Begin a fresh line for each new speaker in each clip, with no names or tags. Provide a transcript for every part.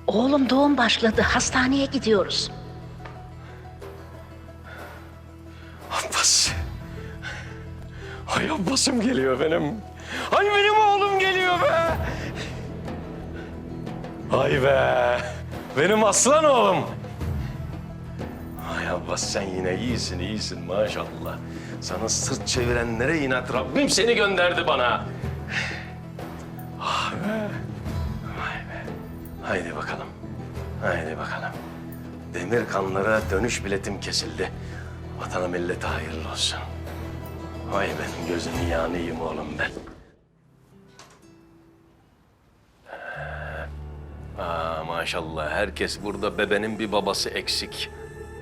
Oğlum doğum başladı. Hastaneye gidiyoruz.
Abbas. Ay Abbas'ım geliyor benim. Ay benim oğlum geliyor be. Ay be. Benim aslan oğlum. Ay Abbas sen yine iyisin maşallah. Sana sırt çevirenlere inat Rabbim seni gönderdi bana. Ah be. Vay be. Haydi bakalım. Haydi bakalım. Demir kanlara dönüş biletim kesildi. Vatana millete hayırlı olsun. Vay benim gözünün yanıyım oğlum ben. Maşallah herkes burada bebenin bir babası eksik.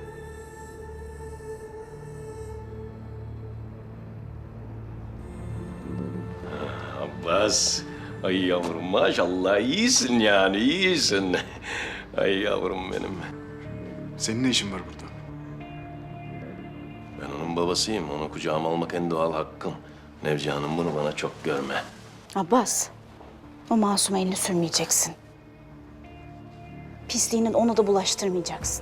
Abbas, ay yavrum maşallah iyisin yani iyisin. Ay yavrum benim.
Senin ne işin var burada?
Ben onun babasıyım. Onu kucağıma almak en doğal hakkım. Nevci Hanım bunu bana çok görme.
Abbas, o masuma elini sürmeyeceksin. Pisliğinin onu da bulaştırmayacaksın.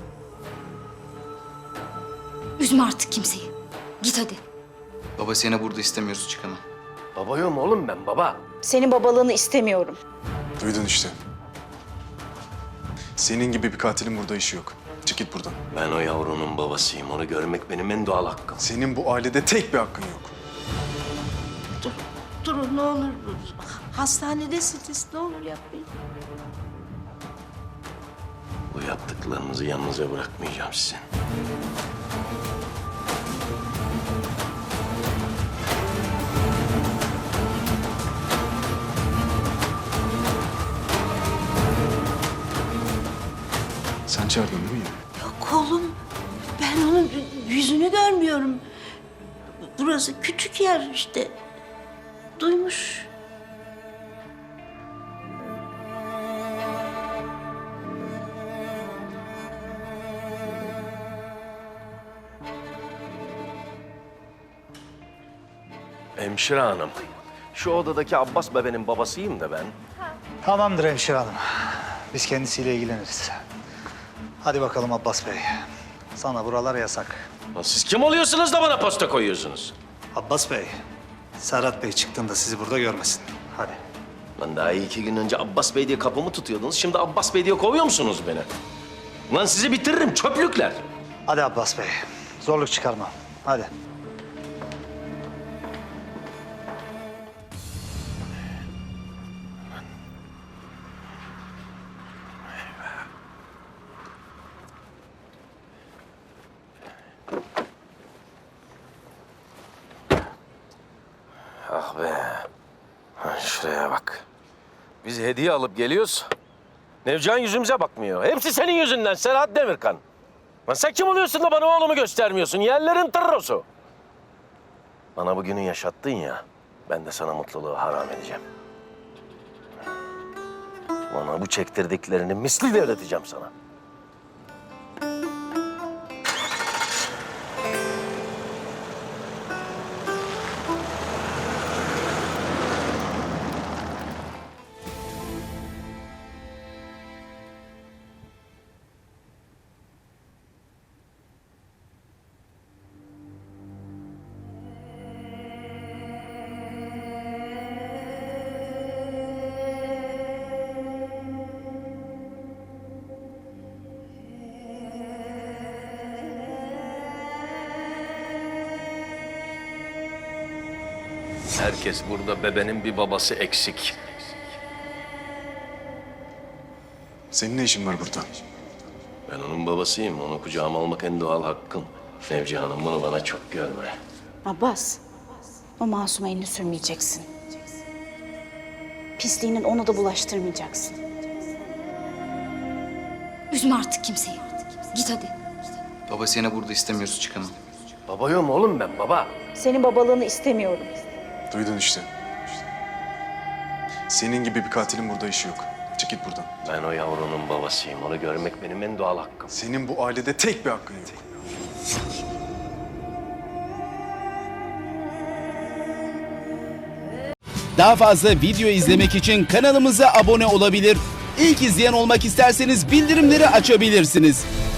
Üzme artık kimseyi. Git hadi.
Baba seni burada istemiyoruz çıkamam.
Babayım oğlum ben baba.
Senin babalığını istemiyorum.
Duydun işte. Senin gibi bir katilin burada işi yok. Çık git buradan.
Ben o yavrunun babasıyım. Onu görmek benim en doğal hakkım.
Senin bu ailede tek bir hakkın yok.
Durun ne olur. Hastanedesiniz. Ne olur yapmayın.
Bu yaptıklarınızı yanınıza bırakmayacağım sizin.
Sen çağırdın değil mi yine?
Yok oğlum, ben onun yüzünü görmüyorum. Burası küçük yer işte. Duymuş.
Hemşire hanım. Şu odadaki Abbas bebenin babasıyım da ben.
Tamamdır hemşire hanım. Biz kendisiyle ilgileniriz. Hadi bakalım Abbas Bey. Sana buralar yasak.
Lan siz kim oluyorsunuz da bana posta koyuyorsunuz?
Abbas Bey, Serhat Bey çıktığında sizi burada görmesin. Hadi.
Lan daha 2 gün önce Abbas Bey diye kapımı tutuyordunuz. Şimdi Abbas Bey diye kovuyor musunuz beni? Lan sizi bitiririm çöplükler.
Hadi Abbas Bey. Zorluk çıkarma. Hadi.
Ah be. Ha, şuraya bak. Biz hediye alıp geliyoruz. Nevcan yüzümüze bakmıyor. Hepsi senin yüzünden Serhat Demirkan. Lan sen kim oluyorsun da bana oğlumu göstermiyorsun? Yerlerin tırrosu. Bana bugünü yaşattın ya. Ben de sana mutluluğu haram edeceğim. Bana bu çektirdiklerini misliyle ödeteceğim sana. Herkes burada bebenin bir babası eksik.
Senin ne işin var burada?
Ben onun babasıyım. Onu kucağıma almak en doğal hakkım. Nevci Hanım bunu bana çok görme.
Abbas, o masuma elini sürmeyeceksin. Pisliğinin onu da bulaştırmayacaksın.
Üzme artık kimseyi. Git hadi.
Baba seni burada istemiyoruz çıkamam.
Babayım oğlum ben baba.
Senin babalığını istemiyorum.
Duydun işte. Senin gibi bir katilin burada işi yok. Çık git buradan.
Ben o yavrunun babasıyım. Onu görmek benim en doğal hakkım.
Senin bu ailede tek bir hakkın yok.
Daha fazla video izlemek için kanalımıza abone olabilir. İlk izleyen olmak isterseniz bildirimleri açabilirsiniz.